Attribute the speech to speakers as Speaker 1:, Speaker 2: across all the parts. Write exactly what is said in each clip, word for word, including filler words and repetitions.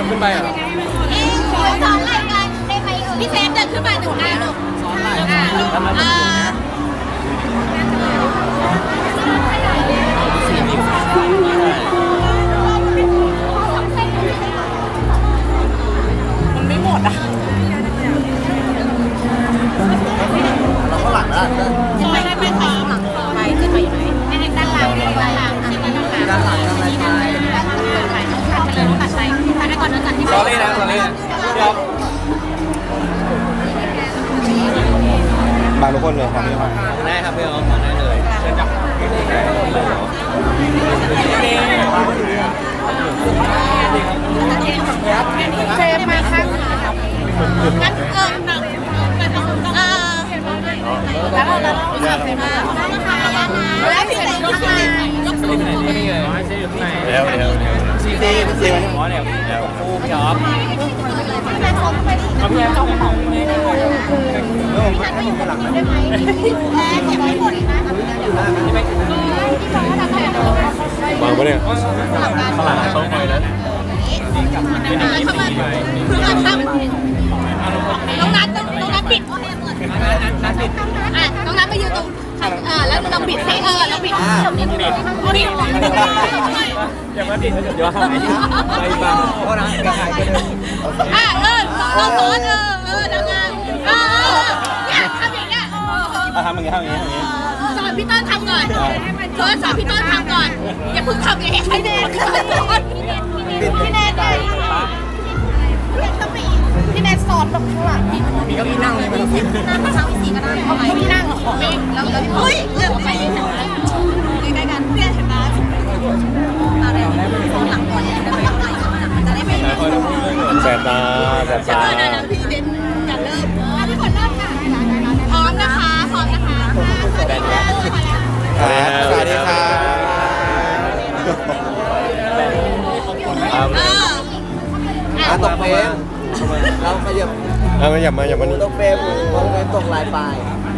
Speaker 1: ขึ้นไปอ่ะ
Speaker 2: สอนอะไรกันได้ไหมเออพี่เซฟเดินขึ้นมาหนึ่งหน้าลูกสอนอะไรอ่า
Speaker 3: มันไม่หมดอ่ะ
Speaker 1: เราข้างหลังนะ
Speaker 2: ไม่ไม่ไม่ไปหลังไปขึ้นไปอยู่ไหนไม่ได้ด้านหลังด้านหลังด้านหลังด้านหลังด้านหลังด้านหลังด้านหลังด้านหลังตัดไปตัดไปก่อนนะตัดที่
Speaker 1: สอรี่นะสอรี่นะพี่อ๊อฟบางทุกคนเลยครับพี่อ๊อฟได้ครับพี่อ๊อฟมาได้เลยเชิญจับ
Speaker 2: เซฟมาข้างงั้นเออเออแล้วเราแล้วเราเซฟมาแล้วพี่เซฟมา
Speaker 1: เดี๋ยวเดี๋ยวซีซีซีซีมันอ๋อเนี่ยเดี๋ยวคู่พี่อ๊อฟเอาพี่แอมเข้าห้องเลยแล้วผมให้ผมข้างหลังนะ
Speaker 2: ได้ไหมแพ้เก็บไว้หมดนะที่ฟังว่าทำไมอ่ะ
Speaker 1: วางปะเนี่ยข้างหลังต้องคอยนะ
Speaker 2: เข้ามาเพื่อทำน้องนัทน้องนัทปิดอ่ะน้องนัทไปยืนตรงเออแล้วเราปิดให้เออเราปิดปิดปิดปิด
Speaker 1: อย่ามาดิเดี๋ยวหายไปบ้างเพราะนั้นกระหายไปเลย
Speaker 2: อ่ะเออเราสอนเออเออทำงานเออเนี่ยทำอย่างเงี้ย
Speaker 1: ทำอย่างเงี้ยทำอย่างเงี้ย
Speaker 2: สอนพี่ต้นทำก่อนสอนสอนพี่ต้นทำก่อนอย่าเพิ่งทำอย่างเงี้ยให้แน่ก่อนพี่แน่ก่อนพี่แน่สอนแบบข้างหลังพี่
Speaker 1: มีเก้าอี้นั่งเลยมั้ย
Speaker 2: นั่งมาทั้งสี่ก็ได้เอาเก้าอี้นั่งเหรอแล้วแล้วเฮ้ยเลือกไปใกล้ๆกันเพื่อนเห็นไหมอะไรข้างหลังก่อนจะไปทำอะไรมันจะได้ไม่
Speaker 1: แสบตาแสบตา
Speaker 2: พี่เด่นจะเริ่มพี่ฝนเริ่มค่ะพร้อมนะคะพร้อมนะคะ
Speaker 1: สวัสดีครับ
Speaker 3: อ่ะตกเฟรมเราขยับ
Speaker 1: เอามาหยับมาหยับมานี่
Speaker 3: ตกเฟรมตกเฟรมตกลายปลาย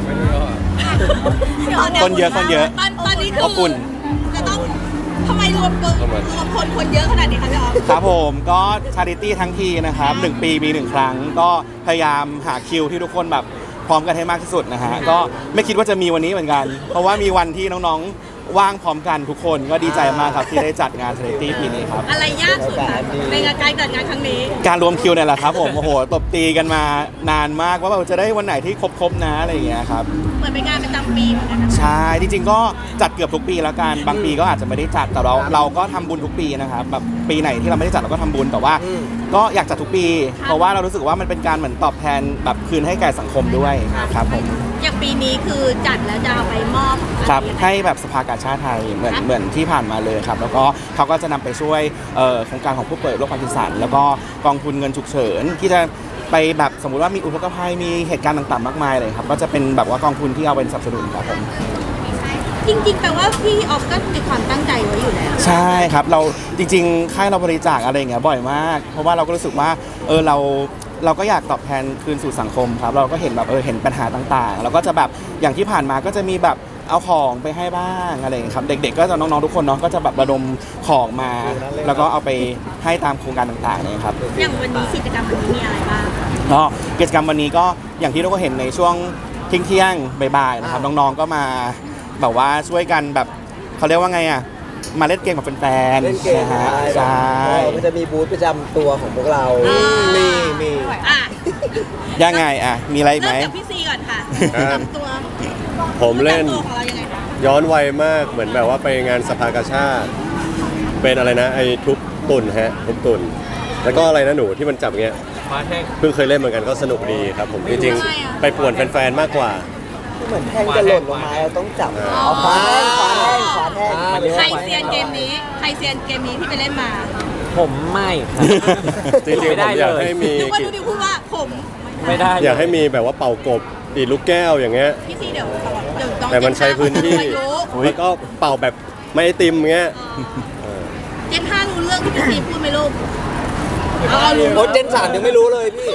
Speaker 1: คนเยอะคนเยอะ
Speaker 2: ตอนตอนนี้คือ
Speaker 1: อบอุ่น
Speaker 2: จะต้องทำไมรวมรวมคนคนเยอะขนาดนี้คะพี่อ๊อฟ
Speaker 1: ครับผมก็ชาริตี้ทั้งทีนะครับหนึ่งปีมีหนึ่งครั้งก็พยายามหาคิวที่ทุกคนแบบพร้อมกันให้มากที่สุดนะฮะก็ไม่คิดว่าจะมีวันนี้เหมือนกัน เพราะว่ามีวันที่น้องๆว่างพร้อมกันทุกคนก็ดีใจมากครับที่ได้จัดงานชาริตี้ปีนี้ครับ
Speaker 2: อะไรยากสุดคะในการจัดงานครั้งนี้
Speaker 1: การรวมคิวเนี่ยแหละครับผมโอ้โหตบตีกันมานานมากว่าเราจะได้วันไหนที่ครบๆนะอะไรอย่างเงี้ยครับ
Speaker 2: เหมือนเป็นงานประจำปีเหมือนกัน
Speaker 1: ใช่จริงๆก็จัดเกือบทุกปีแล้วกันบางปีก็อาจจะไม่ได้จัดแต่เราเราก็ทำบุญทุกปีนะครับแบบปีไหนที่เราไม่ได้จัดเราก็ทำบุญแต่ว่าก็อยากจัดทุกปีเพราะว่าเรารู้สึกว่ามันเป็นการเหมือนตอบแทนแบบคืนให้แก่สังคมด้วยครับผม
Speaker 2: อย่างปีนี้คือจัดแล้วจะเอาไปมอบ
Speaker 1: ครับให้แบบสภากาชาดไทยเหมือนเหมือนที่ผ่านมาเลยครับแล้วก็เขาก็จะนำไปช่วยโครงการของผู้ป่วยโรคพาร์กินสันแล้วก็กองทุนเงินฉุกเฉินที่จะไปแบบสมมุติว่ามีอุทกภัยมีเหตุการณ์ต่างๆมากมายเลยครับก็จะเป็นแบบว่ากองทุนที่เอาเป็นสนับสนุนครับผม
Speaker 2: จริงๆแปลว่าพี่ออฟก็มีความตั้งใจไว้อยู่แล้ว
Speaker 1: ใช่ครับเราจริงๆค่ายเราบริจาคอะไรอย่างเงี้ยบ่อยมากเพราะว่าเราก็รู้สึกว่าเออเราเราก็อยากตอบแทนคืนสู่สังคมครับเราก็เห็นแบบเออเห็นปัญหาต่างๆเราก็จะแบบอย่างที่ผ่านมาก็จะมีแบบเอาของไปให้บ้างอะไรอย่างเงี้ยครับเด็กๆก็จะน้องๆทุกคนเนาะก็จะแบบระดมของมาแล้วก็เอาไปให้ตามโครงการต่างๆเนี่ยครับ
Speaker 2: อย่างวันนี้กิจกรรมวันนี้มีอะไรบ้าง
Speaker 1: ก็กิจกรรมวันนี้ก็อย่างที่เราก็เห็นในช่วงเที่ยงๆบ่ายๆนะครับน้องๆก็มาแบบว่าช่วยกันแบบเขาเรียกว่าไงอ่ะมาเล่นเกมกับแฟนๆนะฮะใช่
Speaker 3: มันจะมีบูธประจำตัวของพวกเรามีมี
Speaker 1: ยังไงอ่ะมีอะไรไหม
Speaker 2: เริ่มจากพี่ซีก่อนค่ะตัว
Speaker 4: ผมเล่นย้อนวัยมากเหมือนแบบว่าไปงานสภากาชาดเป็นอะไรนะไอ้ทุบตุ่นฮะทุบตุ่นแล้วก็อะไรนะหนูที่มันจับเงี้ยเพิ่งเคยเล่นเหมือนกันก็สนุกดีครับผมจริงๆไปป่วนแฟนๆมากกว่า
Speaker 3: เหมือนแท่งจะหล่นลงมาเราต้องจับเอาขวาแท่งขวาแท่งขวาแท่ง
Speaker 2: ใครเซียนเกมนี้ใครเซียนเกมนี้ที่ไปเล่นมา
Speaker 5: ผมไม่
Speaker 4: จริงๆผมอยากให้มี
Speaker 2: นึกว่าดูดิพูดว่าผม
Speaker 4: ไม่ได้อยากให้มีแบบว่าเป่ากบดีดลูกแก้วอย่างเงี้ย
Speaker 2: พี่ซีเดี๋ยวเดี๋ยว
Speaker 4: แต่มันใช้พื้นที่แล้วก็เป่าแบบไม่ไอติมเงี้ย
Speaker 2: เจนห้ารู้เรื่องที่พี่ซีพูดไหมลูก
Speaker 3: เอารู้โอ้เจนสามยังไม่รู้เลยพี่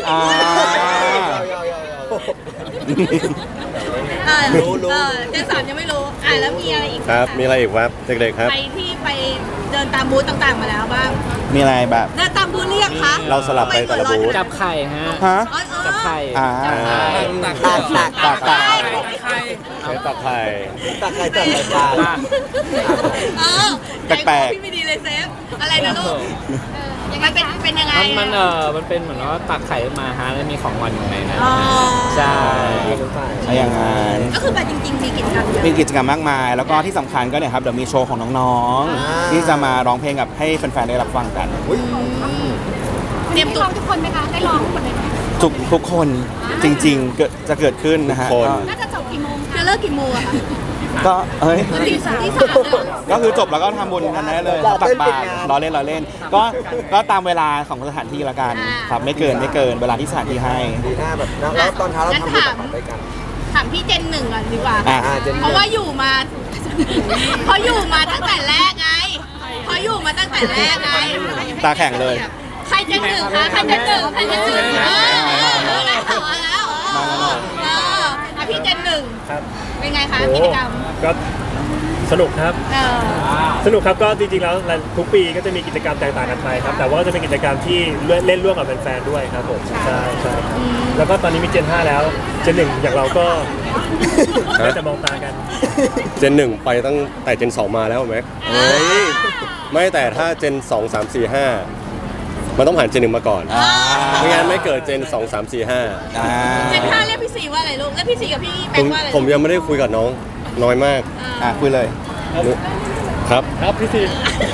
Speaker 2: รู้รู้เจนสามยังไม่รู้อ่าแล้วมีอะไรอีก
Speaker 4: ครับมีอะไรอีกครับเด็กๆครับ
Speaker 2: ใครที่ไปเดินตามบูธต่างๆมาแล้วบ้าง
Speaker 1: มีอะไรแบบ
Speaker 2: เดินตามบูธเรียกยังคะ
Speaker 4: เราสลับไปแต่ละบูธ
Speaker 5: จับไข่ฮะ
Speaker 1: ฮะ
Speaker 2: เออเออ
Speaker 5: จับไข่
Speaker 1: อ่า
Speaker 5: จับไข่
Speaker 3: ตักตัก
Speaker 1: ตักตัก
Speaker 4: ใช้ตักไข่
Speaker 3: ตักใครตักใครปลา
Speaker 2: เออ
Speaker 1: แปลกๆ
Speaker 2: ใจคอพี่ไม่ดีเลยเซฟอะไรนะลูกมันเป็นเป็นยังไง
Speaker 5: มันมันเออมันเป็นเหมือนว่าตักไข่ขึ้นมาฮะแล้วมีของหวานอยู่ในนั้น
Speaker 2: อ๋อ
Speaker 5: ใช่
Speaker 1: ใช่อย่างนั้น
Speaker 2: ก็คือแบบจริงๆมีกิจกรรมเยอะ
Speaker 1: มีกิจกรรมมากมาย แล้วก็ที่สำคัญก็เนี่ยครับเดี๋ยวมีโชว์ของน้องๆ ที่จะมาร้องเพลงกับให้แฟนๆได้รับฟังกัน
Speaker 2: เตรียมตัวทุกคนไหมคะได้ร้องทุกคนเลยไหม
Speaker 1: ทุกทุกคนจริงๆเกิดจะเกิดขึ้นนะฮะ
Speaker 4: ทุกคน
Speaker 2: น่าจะจบกี่โมงจะเลิกกี่โมงอะคะ
Speaker 1: ก็เอ้ย
Speaker 2: ตีสามตีสาม
Speaker 1: ก็คือจบแล้วก็ทำบุญกันได้เลยตักบาตรล้อเล่นล้อเล่น ก็ก็ตามเวลาของสถานที่ละกันครับไม่เกินไม่เกินเวลาที่สถานที่ให้
Speaker 3: ดีหน้าแบบแล้วตอนเช้าเราทำบุญตักบาตรด้วยกัน
Speaker 2: ถามพี่เจนหนึ่งก่อนดีกว่า
Speaker 1: อ่ะ
Speaker 3: อ่าเจน
Speaker 2: เพราะว่าอยู่มา เพราะอยู่มาตั้งแต่แรกไงเพราะอยู่มาตั้งแต่แรกไง
Speaker 1: ตาแข็งเลย
Speaker 2: ใครเจนหนึ่งคะใครเจนหนึ่งใครเจนหนึ่งเออเออเออแล้วเอาแล้วเออเอออ่ะพี่เจนหนึ่ง
Speaker 6: ครับ
Speaker 2: เป็นไงคะกิจกรรม
Speaker 6: ก็สนุกครับ
Speaker 2: เออ
Speaker 6: สนุกครับก็จริงๆแล้วทุกปีก็จะมีกิจกรรมแตกต่างกันไปครับแต่ว่าก็จะเป็นกิจกรรมที่เล่นร่วมกับแฟนๆด้วยครับผมใช่ใช่ครับแล้วก็ตอนนี้มีเจนห้าแล้วเจนหนึ่งอย่างเราก็ได้แต่มองตากัน
Speaker 4: เจนหนึ่งไปตั้งแต่เจนสองมาแล้วแม็ก
Speaker 1: เฮ้ย
Speaker 4: ไม่แต่ถ้าเจนสองสามสี่ห้ามันต้องผ่านเจนหนึ่งมาก่อน
Speaker 1: อ่า
Speaker 4: ไม่งั้นไม่เกิดเจนสองสามสี่ห้า
Speaker 1: อ่า
Speaker 2: เจนห้าเรียกพี่สีว่าอะไรลูกเรียกพี่สีกับพี่แบ
Speaker 4: ผ
Speaker 2: ง
Speaker 4: ม
Speaker 2: ค์ว่าอะไร
Speaker 4: ผมยังไม่ได้คุยกับน้องน้อยมาก
Speaker 1: อ่ะคุยเลย
Speaker 4: ครับ
Speaker 6: ครับพี่ซี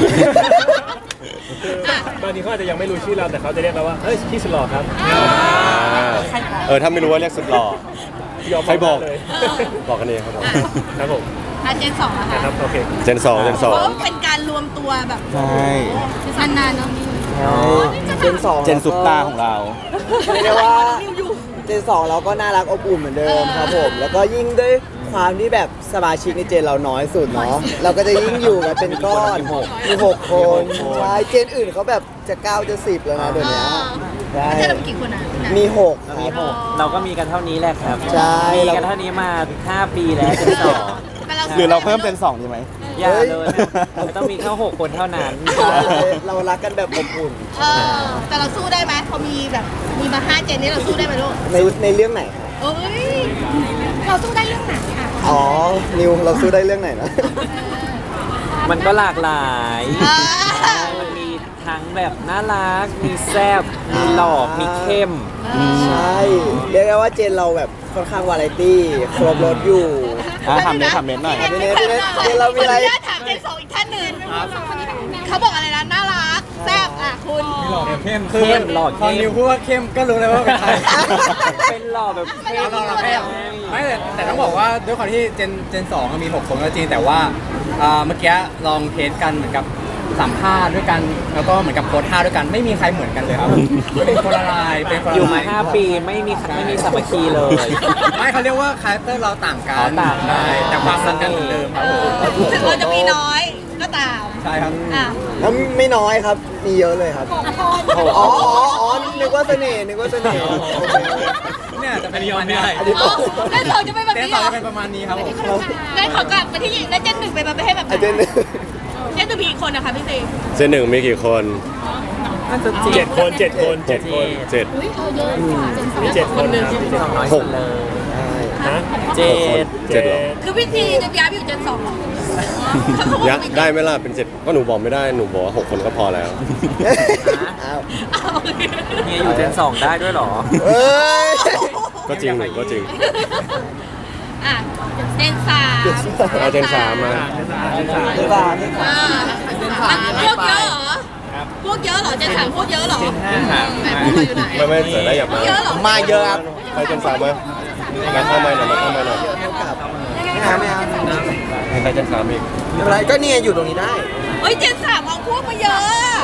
Speaker 6: ตอนนี้เขาอาจจะยังไม่รู้ชื่อเราแต่เขาจะเรียกเราว่าเฮ้ยพี่สลอครับ
Speaker 4: เออถ้าไม่รู้ว่าเรียกสุดหล่อ
Speaker 6: ยอม
Speaker 4: ใครบอก
Speaker 6: เลย
Speaker 4: บอกกันเองครับผม
Speaker 6: ครับผม
Speaker 2: อ่ะเจนสองอะ
Speaker 6: นะ
Speaker 2: ค่ะ
Speaker 6: ครับโอเค
Speaker 4: เจนสองเจนส
Speaker 2: เพ
Speaker 4: อง
Speaker 2: ราะว่าเป็นการรวมตัวแบบ
Speaker 1: ใช่
Speaker 2: นานๆเนาะ
Speaker 3: เจนสอง
Speaker 1: เจนซุปตาของเรา
Speaker 3: เรียกได้ว่าเจนสองเราก็น่ารักอบอุ่นเหมือนเดิมครับผม แล้วก็ยิ่งด้วยความที่แบบสมาชิกในเจนเราน้อยสุดเนาะเราก็จะยิ่งอยู่กันเป็นก้อนมีหกคนใช่เจนอื่นเขาแบบจะเก้าจะสิบแล้วนะเดี๋ยวนี้ใช่
Speaker 2: เจนเราเป็นกี่คนอะ
Speaker 3: มีหกค
Speaker 5: มี
Speaker 3: รับ
Speaker 5: หกเราก็มีกันเท่านี้แหละครับ
Speaker 3: ใช่
Speaker 5: มีกันเท่านี้มาห้าปีแล้วจนสอง
Speaker 2: แต่เรา
Speaker 1: หรือเราเพิ่มเป็นสองดีไหม
Speaker 5: อย่าเลยนะต้องมีแค่หกคนเท่านั้น
Speaker 3: เรารักกันแบบอบอุ่น
Speaker 2: เออแต่เราสู้ได้ไหมพอมีแบบมีมาห้าเจนนี้เราสู้ได้ไหมลูก
Speaker 3: ในในเรื่องไหนครับ
Speaker 2: เอ้ยเราสู้ได้เรื่องไหนอะ
Speaker 3: อ๋อ นิวเราสู้ได้เรื่องไหนนะ
Speaker 5: มันก็หลากหลาย
Speaker 2: อ่า
Speaker 5: มันมีทั้งแบบน่ารัก มีแซ่บ มีหล่อ มีเข้ม
Speaker 3: ใช่ เรียกได้ว่าเจนเราแบบค่อนข้างวาไรตี้ครบรถอยู่
Speaker 1: อ่ะถามเน้นถามเน้นหน่อย
Speaker 3: เน้นเน้นเน้นเน้นเรามีอะไร
Speaker 2: ขออนุญาตถามเจนสองอีกท่านหนึ่งเขาบอกอะไรนะน่ารักแซ่บอ่ะคุณ
Speaker 5: เข้มเข้มหล่อ
Speaker 7: ตอน
Speaker 5: เข้
Speaker 7: นิ
Speaker 5: ม
Speaker 7: วพูดว่าเข้มก็รู้เลยว่าเป็นใคร
Speaker 5: เป็นหล่อแบบเข้ม
Speaker 7: เราเราแค่ไม่แต่แต่ต้องบอกว่าด้วยความที่เจนเจนสองมีหกคนก็จริงแต่ว่าอ่าเมื่อกี้ลองเทสกันเหมือนกับสัมภาษณ์ด้วยกันแล้วก็เหมือนกับโพสท่าด้วยกันไม่มีใครเหมือนกันเลยครับเป็นคนละลายเป็นคนละลาย
Speaker 5: อยู่มาห้าปีไม่มีไม่มีสามัคคีเลย
Speaker 7: ไม่เขาเรียกว่าคาแรคเตอร์เราต่างกั
Speaker 5: อ๋อน ต่างกัน
Speaker 7: ใช่แต่ความรักกันเหมือนเดิมครับผม
Speaker 2: ถึงเราจะมีน้อยก็ตาม
Speaker 7: ใช่ครับ
Speaker 2: อ่ะ
Speaker 3: แล้วไม่น้อยครับ มีเยอะเลยครับ อ๋ออ๋ออ๋อนึกว่าเสน่ห์นึกว่าเสน่ห์โอเค
Speaker 7: เนี่ยจะเป็นประมาณนี้
Speaker 3: อันนี้
Speaker 2: อ๋อเจนสองจะเป็นแบบ
Speaker 7: เจน
Speaker 2: นี้
Speaker 7: ส
Speaker 2: เห
Speaker 7: อง
Speaker 2: รอ
Speaker 7: จะเป็นประมาณนี้ครับผม
Speaker 2: ได้ขอกลับไปที่ได้เจนหนึ่งไปมาไปให้แบบไหน
Speaker 3: อาจจะ
Speaker 2: เจนหนึ่งมีกี่คนนะคะพี่ซี
Speaker 4: เจนหนึ่งมีกี่คน
Speaker 5: น่าจะ
Speaker 6: เจ็ดคนเจ็ดคนเจ็ดคน
Speaker 4: เจ็ด
Speaker 6: มีเจ็ดคนครับ
Speaker 5: สองน้อย
Speaker 4: ห
Speaker 5: สุ
Speaker 4: ก
Speaker 5: ดเลย
Speaker 6: ฮะ
Speaker 5: เจ็ด
Speaker 4: เจ็ดเหรอ
Speaker 2: คือพี่ซีจะย้ายไปอยู่เจนสองเหรอ
Speaker 4: ยะได้ไหมล่ะเป็นเจ็ดก็หนูบอกไม่ได้หนูบอกว่าหกคนก็พอแล้ว
Speaker 3: อ้าว
Speaker 5: เฮียอยู่เจนสองได้ด้วยเหรอ
Speaker 3: เอ้ย
Speaker 4: ก็จริงหนูก็จริง
Speaker 2: อ่ะเจนสาม
Speaker 4: เอาเจนสามมา
Speaker 3: เดี๋ยวก่อน
Speaker 2: อ่าอ่ะพวกเยอะเหรอพวกเยอะเหรอเจนสามพวกเยอะเหรอไหนพวกเราอยู่ไหน
Speaker 4: ไม่ไม่เสร็จแล้วอยากมา
Speaker 2: เยอะเหรอ
Speaker 3: มาเยอะครับ
Speaker 4: ไปเจนสามมามาเข้ามาหน่อยมาเข้ามาหน่อย
Speaker 3: ไม่เอาไม่เอา
Speaker 4: ให้ใครเจนสามอีก
Speaker 3: ไม่เป็นไรก็เนี่ยอยู่ตรงนี้ได้
Speaker 2: เฮ้ยเจนสามเอาพวกมาเยอะ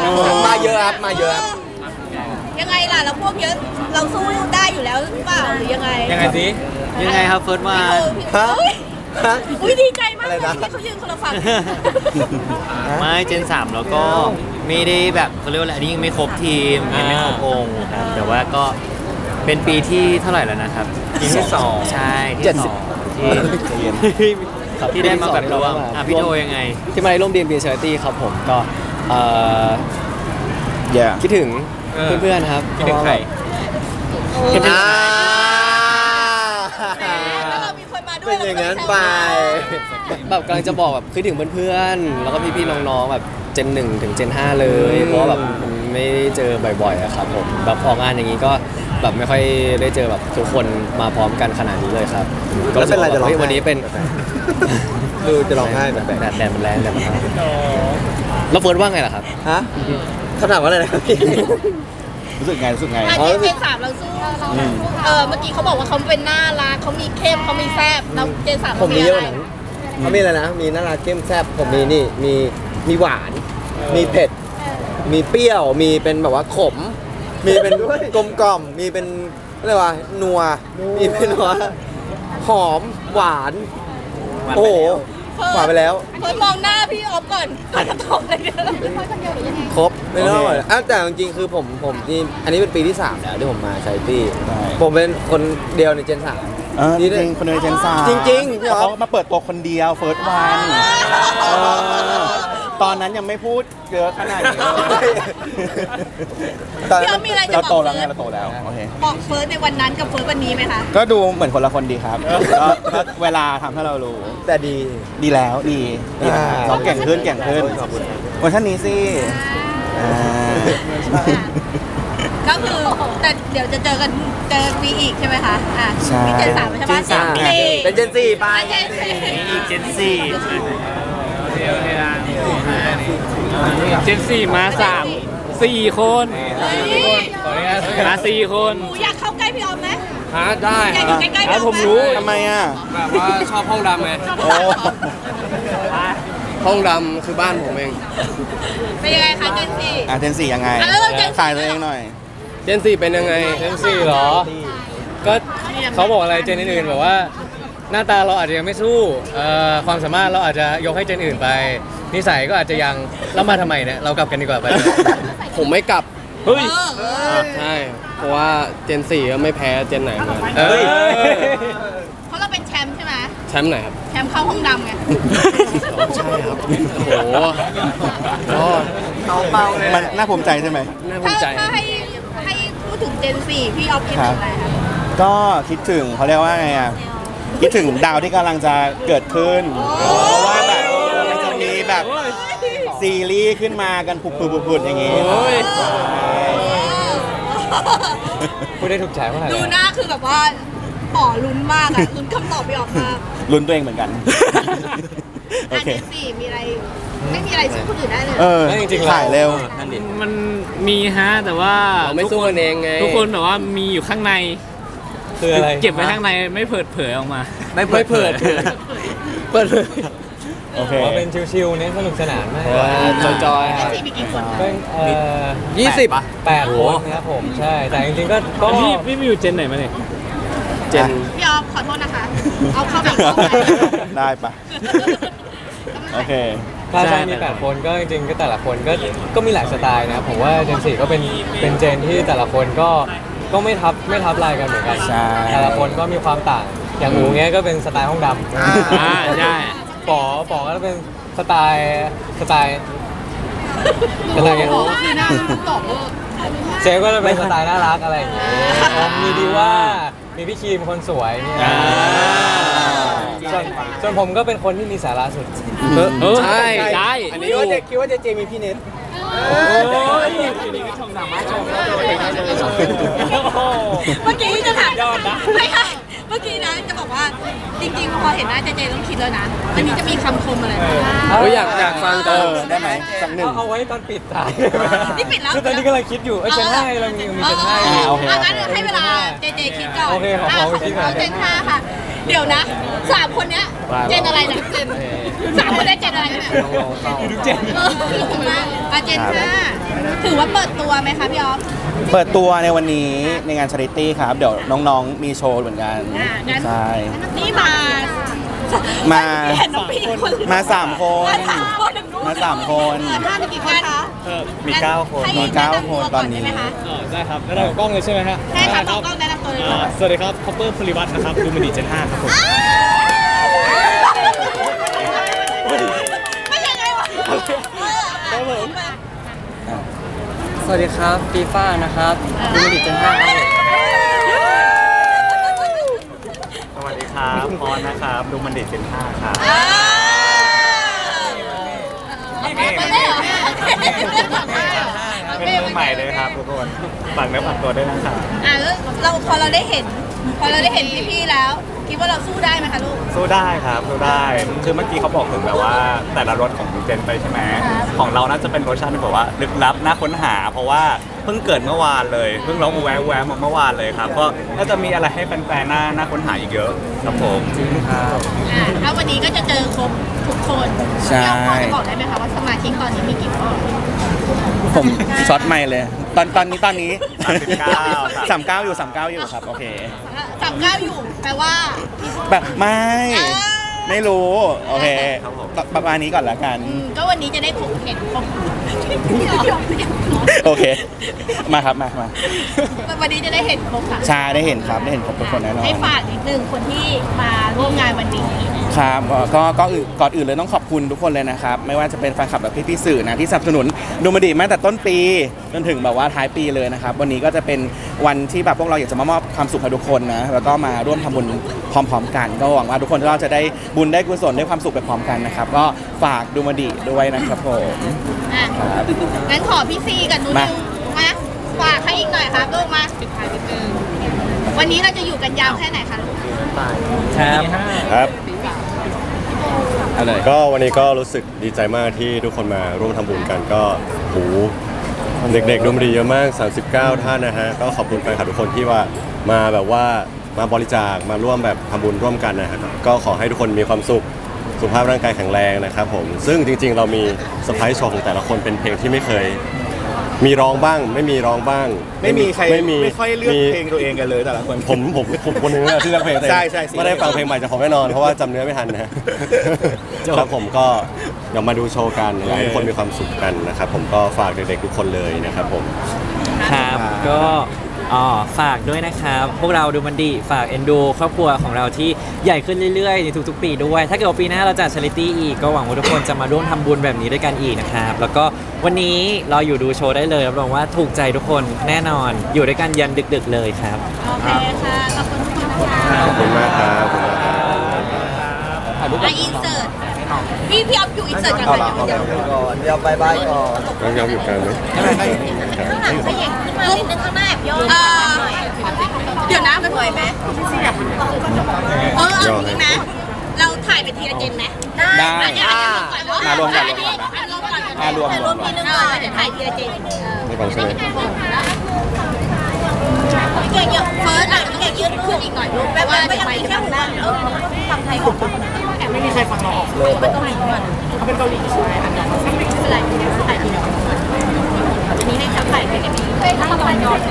Speaker 3: มาเยอะครับ มาเยอะครับ
Speaker 2: ยังไงล่ะแล้วพวกเยอะเราสู้ได้อยู่แล้วหรือเปล่าหรือยังไง
Speaker 7: ยังไงสิ
Speaker 5: ยังไงครับเฟิร์สมา
Speaker 2: พี่โอ้พี่
Speaker 3: ฮะ
Speaker 2: อุ้ยดีใจมากเลย
Speaker 3: อะไรนะ
Speaker 2: ที่เขายืนคนละฝั่ง
Speaker 8: ไม่เจนสามแล้วก็ไม่ได้แบบเขาเรียกว่าอะไรอันนี้ยังไม่ครบทีมยังไม่ครบองค์ครับแต่ว่าก็เป็นปีที่เท่าไหร่แล้วนะครับ
Speaker 5: ปีที่สอง
Speaker 8: ใช่ที่
Speaker 3: เจ็ด
Speaker 8: ส
Speaker 3: สิบ
Speaker 8: องที่ที่ได้มาแบบรวมอ่ะพี่โทยังไง
Speaker 5: ที่มาในร่วมดีมบีเชอร์ตี้ครับผมก็เอ่อ
Speaker 1: อย่า
Speaker 5: คิดถึง
Speaker 8: เพื่อนๆครับ
Speaker 5: คิดถึงใคร
Speaker 3: อ่า
Speaker 2: แล้วเรามีคนมาด้วย
Speaker 3: เป็นอย่างนั้นไป
Speaker 8: แบบกำลังจะบอกแบบคิดถึงเพื่อนๆแล้วก็พี่ๆน้องๆแบบเจนหนึ่งถึงเจนห้าเลยเพราะว่าแบบไม่ได้เจอบ่อยๆอะครับผมแบบออกงานอย่างนี้ก็แบบไม่ค่อยได้เจอแบบทุกคนมาพร้อมกันขนาดนี้เลยครับ
Speaker 3: แล้วเป็นไรจะร้องไห้
Speaker 8: ฮ้ยวันนี้เป็น
Speaker 3: คือจะร้องไห้แบบ
Speaker 8: แดดแดดมันแรงแดดมันร้อนแล้วเฟิร์สว่าไงล่ะครับ
Speaker 3: ฮะคำถามว่าอะไรนะครับพี่
Speaker 1: รู้สึกไงรู้สึกไง
Speaker 2: อ่ะเจนเจนสามเราสู้เออเมื่อกี้เขาบอกว่าเขาเป็นน่ารักเขามีเข้มเขามีแซ่บแล้วเจนสาม
Speaker 3: ผมมีเยอะกว่านั้นเขามีอะไรนะ มีน่ารักเข้มแซ่บผมมีนี่ มีมีหวาน มีเผ็ด มีเปรี้ยว มีเป็นแบบว่าขม มีเป็นกลมกล่อม มีเป็นอะไรวะนัว มีเป็นว่าหอมหวาน โอ้โหหวานไปแล้ว
Speaker 2: เพิ่มมองหน้าพี่ออฟก่อนก่อนจะตอบเลยเด้อ
Speaker 3: ครบไม่ต้องเลยอ่ะแต่จริงๆคือผมผมนี่อันนี้เป็นปีที่สามแล้วที่ผมมาใช้ตี้
Speaker 1: ใช่
Speaker 3: ผมเป็นคนเดียวในเจนสาม
Speaker 1: เออจริงๆคนในเจนสาม
Speaker 3: จริงๆพี่อ๊อฟ
Speaker 1: เขามาเปิดตัวคนเดียวเฟิร์สวันตอนนั้นยังไม่พูดเยอะขนาดนี้
Speaker 2: พี่ออฟมีอะไรจะ
Speaker 1: เรา
Speaker 2: บ
Speaker 1: โต
Speaker 2: อก
Speaker 1: แล้วไง
Speaker 2: เฟิร์
Speaker 1: เราโตแล้วโอเค
Speaker 2: บอกเฟิร์สในวันนั้นกับเฟิร์สวันนี้ไหมคะ
Speaker 1: ก็ดูเหมือนคนละคนดีครับก็ก็เวลาทำให้เรารู้
Speaker 3: แต่ดี
Speaker 1: ดีแล้วดีดี
Speaker 3: อ่า
Speaker 1: เขาเก่งขึ้นเก่งขึ้นเวอร์ชันนี้สิอ่า
Speaker 2: ก็คือแต่เดี๋ยวจะเจอกันเจอปีอีกใช่ไหมคะอ่ะ
Speaker 1: ใช่
Speaker 2: นี่เจนสามใช่ไหม
Speaker 8: เจนสาม
Speaker 2: เจนสี่
Speaker 3: เป็นเจนสี่ไป
Speaker 2: เจนสี่
Speaker 8: อีกเจนสี่
Speaker 5: เจนสี่มาสามสี่คน
Speaker 2: เฮ้ย
Speaker 5: มาสี่คน
Speaker 2: หนูอยากเข้าใกล้พี่ออฟไหม
Speaker 7: ฮะได้
Speaker 2: อยากอยู่ใกล้ๆพี่ออฟไห
Speaker 5: ผมรู้
Speaker 1: ทำไมอ่ะ
Speaker 7: แบบว่าชอบห้องดำไง
Speaker 1: โอ้
Speaker 7: ห้องดำคือบ้านผมเอง
Speaker 2: เป็นยังไงคะเจนสี่
Speaker 1: อ่ะเจนสี่ยังไง
Speaker 2: อ่ะแล้วเราเจนสี่
Speaker 1: ขายตัวเองหน่อย
Speaker 7: เจนสี่เป็นยังไง
Speaker 5: เจนสี่เหรอ ก็เขาบอกอะไรเจนอื่นๆแบบว่า หน้าตาเราอาจจะยังไม่สู้เอ่อความสามารถเราอาจจะยกให้เจนอื่นไป นิสัยก็อาจจะยังแล้วมาทำไมเนี่ยเรากลับกันดีกว่าไป
Speaker 7: ผมไม่กลับ
Speaker 5: เฮ้ย
Speaker 2: เออเออ
Speaker 7: ใช่ เพราะว่าเจนสี่ก็ไม่แพ้เจนไหนเหมือนกัน
Speaker 5: เอ้ย
Speaker 2: เพราะเราเป็นแชมป์ใช่ไหม
Speaker 7: แชมป์ไหนครับ
Speaker 2: แชมป์เข้าห้องดำไง
Speaker 7: ใช่ครับ โอ้โหก็
Speaker 1: มันน่าภูมิใจใช่ไหม
Speaker 7: น่าภู
Speaker 2: ถ้า
Speaker 7: มิใจ
Speaker 2: ถ้าให้ให้พูดถึงเจนสี่พี่ออฟคิดถึงอะไรคะ
Speaker 1: ก็คิดถึงเขาเรียกว่าไงอ่ะ คิดถึงดาวที่กำลังจะเกิดขึ้น เพราะว่าแบบมันจะมีแบบซีรีส์ขึ้นมากันผุดๆๆอย่างงี้
Speaker 5: โอ้ย
Speaker 1: ใช่
Speaker 5: พูดได้ถูกใจเมื่อไหร่
Speaker 2: ดูหน้าคือแบบว่าต่อลุ้นมากอะลุ้นคำตอบพี่ออฟมาก
Speaker 1: ลุ้นตัวเองเหมือนกัน โอ
Speaker 2: อ่ะ
Speaker 1: เค
Speaker 2: เจนสี่มีอะไร ไม่มีอะไรสู้คนอื่นได้เลย
Speaker 1: เออ
Speaker 5: จริงๆ
Speaker 1: ถ่ายเร็ว
Speaker 5: มันมีฮะแต่ว่า
Speaker 7: เราไม่สู้กันเองไง
Speaker 5: ทุกคนแบบว่ามีอยู่ข้างในคืออะไรเก็บไว้ข้างในไม่เปิดเผยออกมา
Speaker 7: ไม่เปิดเผยเปิดเผย
Speaker 1: โอเค
Speaker 5: ว่าเป็นชิวๆเน้นสนุกสนานมาก
Speaker 7: จอย
Speaker 2: เจนสี่มีกี่คนคะ
Speaker 5: เป็นเอ่อ
Speaker 7: ยี่สิบ
Speaker 5: แปดคนครับผมใช่ แต่จริงๆก็ก็พี่พี่มีอยู่เจนไหนมาเนี่ย
Speaker 7: เจน
Speaker 2: พี่ออฟขอโทษนะคะ เอาเข้าแบบเข้าไป
Speaker 1: ได้ปะโอเค
Speaker 5: ใช่ใช่มีแปดคนก็จริงๆก็แต่ละคนก็ก็มีหลายสไตล์นะครับผมว่าเจนสี่ก็เป็นเป็นเจนที่แต่ละคนก็ก็ไม่ทับไม่ทับลายกันเหมือนกัน
Speaker 1: ใช่
Speaker 5: แต่ละคนก็มีความต่างอย่างหมูเงี้ยก็เป็นสไตล์ห้องดำ
Speaker 3: อ่า
Speaker 5: ใช่ป๋อป๋อก็เป็นสไตล์สไตล์สไตล์ไง
Speaker 2: โอ้โหคือหน้ามันตอบเวอร์
Speaker 5: เจฟก็จะเป็นสไตล์น่ารักอะไรอย่างเงี้ยมีดีว่ามีพี่ครีมคนสวยเนี่ยส่วนส่วนผมก็เป็นคนที่มีสาระสุด
Speaker 7: เออใช่
Speaker 5: ใช่
Speaker 3: อันนี้ว่าจะคิดว่าเจเจมีพี่เน็ต
Speaker 5: โอ้ยทีนี้ก็ชมหนักมากชมแล้วเลย
Speaker 2: เมื่อกี้จะถาม
Speaker 5: ยอดนะ
Speaker 2: ไม่ใช่เมื่อกี้นะจะบอกว่าจริงๆพอเห็นหน้าเจเจต้องคิดแล้วนะวันนี้จะมีคำคมอะไรไหม
Speaker 7: เฮ้ยอยากอยากฟัง
Speaker 1: เอ
Speaker 7: แต่
Speaker 1: อ ได้ไหมสักหนึ่ง
Speaker 5: เอาไว้ตอนปิดตาย
Speaker 2: นี่ปิดแล้ว
Speaker 5: คือตอนนี้กำลังคิดอยู่เอ้ยเจนห้าเรามีมีเจนห้า
Speaker 1: อ่าโอเค
Speaker 2: เอางั้นให้เวลาเจเจคิดก่อน
Speaker 5: โอเคขอขอไปคิดก่อน
Speaker 2: เอาเจนห้าค่ะ เดี๋ยวนะสามคนเนี้ยเจนอะไรนะเจนสามคนได้เจนอะไรเนี่ย
Speaker 5: ดูเจน
Speaker 2: เอออ่ะเจนห้าถือว่าเปิดตัวไหมคะพี่ออฟ
Speaker 1: เปิดตัวในวันนี้ในงานชาริตี้ครับ เดี๋ยวน้องๆมีโชว์เหมือนกัน
Speaker 2: อ่ะงั้น
Speaker 1: ใช่
Speaker 2: นี่มา
Speaker 1: มา
Speaker 2: เห็นน้องพี่คน
Speaker 1: มาสามคน
Speaker 2: มาสามคน
Speaker 1: มาสามคน
Speaker 2: เออห้ามีกี่คนคะ
Speaker 5: มีเก้าคน
Speaker 2: ให้
Speaker 1: มีเก้าคนตอนนี้
Speaker 2: แะำตัวก่ได้ไหมคะ
Speaker 5: ได้ครับแล้วเรากล้องเลยใช่ไหมฮะ
Speaker 2: ใช่ค่ะต้องต้องแนะนำตัวเลยค่ะ
Speaker 5: สวัสดีครับคอปเปอร์พลิวัตนะครับดูมินิเจนห้าครับผม
Speaker 2: ไม่ใช่ไงวะ
Speaker 1: ส
Speaker 5: วัสดีครับฟีฟ่านะครับดูมันดิเจนห้าครับ
Speaker 9: สวัสดีครับพรนะครับดูมันดิเจนห้าครับ
Speaker 2: ไม่ได้เหรอ
Speaker 9: เป็นมือใหม่เลยครับทุกคนฝากเนื้อฝากตัวด้วยนะครับ
Speaker 2: อ่ะแล้วเราพอเราได้เห็น พอเราได้เห็นพี่ๆแล้ว คิดว่าเราสู้ได้ไหมคะลูก
Speaker 9: สู้ได้ครับสู้ได้คือเมื่อกี้เขาบอกถึงแบบว่าแต่ละรสของเจนไปใช่ไหมของเราน่าจะเป็นรสชาติที่แบบว่าลึกลับน่าค้นหา เพราะว่าเพิ่งเกิดเมื่อวานเลยเพิ่งร้องแววแววมาเมื่อวานเลยครับก็น่าจะมีอะไรให้แฟนๆน่าน่าค้นหาอีกเยอะครับผม
Speaker 2: อ่าถ้าวันนี้ก็จะเจอครบทุกคน
Speaker 1: ใช่
Speaker 2: เราพอจะบอกได้ไหมคะว่าสมาชิกตอนนี้มีกี่คน
Speaker 1: ผมช็อตไม่เลย ตอนตอนนี้ตอนนี้
Speaker 9: สามสิบเก้า
Speaker 1: สามเก้าอยู่สามเก้าอยู่ครับโอเค
Speaker 2: สามเก้าอยู่แปลว่า
Speaker 1: แบบไม่
Speaker 2: อ่า
Speaker 1: ไม่รู้โอเคประมาณนี้ก่อนละกัน
Speaker 2: อืมก็วันนี้จะได้ครบเห็นครบ
Speaker 1: โอเค มาครับมามา
Speaker 2: วันนี้จะได้เห็นครบค่ะ
Speaker 1: ชาได้เห็นครับได้เห็นครบทุกคนแน่นอน
Speaker 2: ให้ฝากนิดนึงคนที่มาร่วมงานวันนี้
Speaker 1: ครับก็ก็ก็อื่นก่อนอื่นเลยต้องขอบคุณทุกคนเลยนะครับ ไม่ว่าจะเป็นแฟนคลับและพี่ๆสื่อนะที่สนับสนุนดูมาดีมาตั้งแต่ต้นปีจนถึงแบบว่าท้ายปีเลยนะครับ วันนี้ก็จะเป็นวันที่แบบพวกเราอยากจะมามอบความสุขให้ทุกคนนะแล้วก็มาร่วมทำบุญพร้อมๆกัน ก็หวังว่าทุกคนเราจะได้บุญได้กุศลได้ความสุขไปพร้อมกันนะครับ ก็ฝากดูมาดีด้วยนะครับผม
Speaker 2: อ่ะงั้นขอพี่ซีกับนุ้
Speaker 1: มา
Speaker 2: นิวมาฝากให้อีกหน่อยครับลูกมาปิดท้ายนิดนึงวันนี้เราจะอยู่กันยาวแค่ไหนคะลูก
Speaker 5: ครับ
Speaker 4: ครับ
Speaker 1: เอาเลย
Speaker 4: ก็วันนี้ก็รู้สึกดีใจมากที่ทุกคนมาร่วมทำบุญกันก็โหเด็กๆดูมันดีเยอะมาก สามสิบเก้า ท่านนะฮะก็ขอบคุณแฟนคลับทุกคนที่ว่ามาแบบว่ามาบริจาคมาร่วมแบบทำบุญร่วมกันนะครับก็ขอให้ทุกคนมีความสุขสุขภาพร่างกายแข็งแรงนะครับผมซึ่งจริงๆ เรามีเซอร์ไพรส์โชว์ของแต่ละคนเป็นเพลงที่ไม่เคย มีร้องบ้าง ไม่มีร้องบ้าง
Speaker 1: ไม่มีใคร
Speaker 4: ไม่มี
Speaker 1: ไม่ค่อยเลือก
Speaker 4: มี
Speaker 1: เพลงตัวเองกันเลยแต่ละคน
Speaker 4: ผมผมผมคนหนึงนะที่เลือกเพลงตัวเอง
Speaker 1: ใช่ใช่สิ
Speaker 4: ไม่ได้ฟังเพลงใหม่จากผมแน่นอนเพราะว่าจำเนื้อไม่ทันนะ ครับผมก็เดี๋ยวมาดูโชว์กันอยากให้ทุกคนมีความสุขกันนะครับผมก็ฝากเด็กๆทุกคนเลยนะครับผม
Speaker 10: ครับก็อ๋อฝากด้วยนะครับ พวกเราดูมันดีฝากเอ็นดูครอบครัวของเราที่ใหญ่ขึ้นเรื่อยๆในทุกๆ ปีด้วย ถ้าเกิดว่าปีหน้าเราจัดชาริตี้อีกก็หวังว่าทุกคนจะมาร่วมทำบุญแบบนี้ด้วยกันอีกนะครับ แล้วก็วันนี้เราอยู่ดูโชว์ได้เลยรับรองว่าถูกใจทุกคนแน่นอนอยู่ด้วยกันยันดึกๆเลยครับ
Speaker 2: โอเคค่ะขอบคุณทุกคนนะคะ
Speaker 4: ขอบคุณมากครับขอบคุณมากครับ
Speaker 2: อ่ะอินเสิร์ตพี่พี่ออฟอยู่อินเสิร์ตกัน
Speaker 1: เอา
Speaker 2: ก่อน
Speaker 1: ละเอาละ
Speaker 3: ก่อนเดี๋ยวบายบายก่อน
Speaker 4: น้องยอมอยู่กลางไหม
Speaker 2: ข้างหลังขยับขึ้นมานิดนึงข้างหน้าแบบย่อเออเดี๋ยวนะมันไหวไหมเออเอาอย่างนี้ไหมเราถ่ายเป็นทีละเจนไหม
Speaker 1: ได้
Speaker 2: อ่ะเดี๋ยวเดี๋ยว
Speaker 1: มารวมกัน
Speaker 2: อัอันรวมก่อน
Speaker 1: อ่ารวม
Speaker 2: ถ่ายรวมทีนึงก่อนเดี๋ยวถ่ายทีละเจน
Speaker 4: ไม่ฟังใช่ไหม
Speaker 2: พี่เก่งเยอะเฟิร์สอ่ะพี่เก่งยืดขึ้นอีกหน่อยลูกแปลว่าจะไปแค่หัวเออฟังไทยออกไม่มีใครฟังเราออกเลยเป็นเกาหลีก่อนเขาเป็นเกาหลีใช่ไหมไม่เป็นไรถ่ายทีเดียวอันนี้ในจับถ่ายเป็นแบบนี้ถ้าเราไปนอน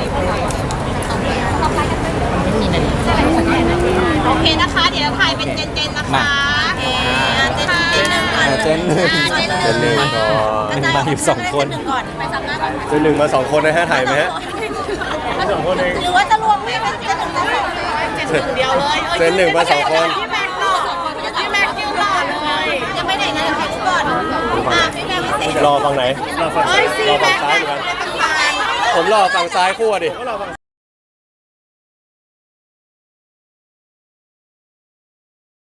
Speaker 2: โอเคนะคะ เดี๋ยวถ่ายเป็นเจนๆนะคะเจนเจนหนึ่งก่อน
Speaker 1: เจนหนึ่ง
Speaker 2: เจนหนึ่ง
Speaker 4: เจนหนึ่งก่อน
Speaker 1: หนึ่งมาอยู่สองคน
Speaker 2: เจนหนึ่งก่อนไปสัมภาษณ์ก่อน
Speaker 4: เจนหนึ่งมาสองคนนะฮะถ่ายไหมฮะ
Speaker 2: หรือว่าจะรวมไม่เป็นเจนหนึ่งแล้วเจนหนึ่งเดียวเลย
Speaker 4: เจนหนึ่งมาสองคน
Speaker 2: พี่แม็กซ์รอพี่แม็กซ์ยืนรอเลยยังไม่ไหนนะเดี๋ยวถ่ายรูปก่อนอ่ะพี่แม็กซ์ไม่เสร็จ
Speaker 4: รอฝั่งไหน
Speaker 6: เราฟัง
Speaker 2: เฮ้ยซี
Speaker 4: รอ
Speaker 2: แม็
Speaker 4: ฝั่ง
Speaker 2: กซ์
Speaker 4: ซ้ายเหมือนกันผมรอฝั่งซ้ายคู่อะดิ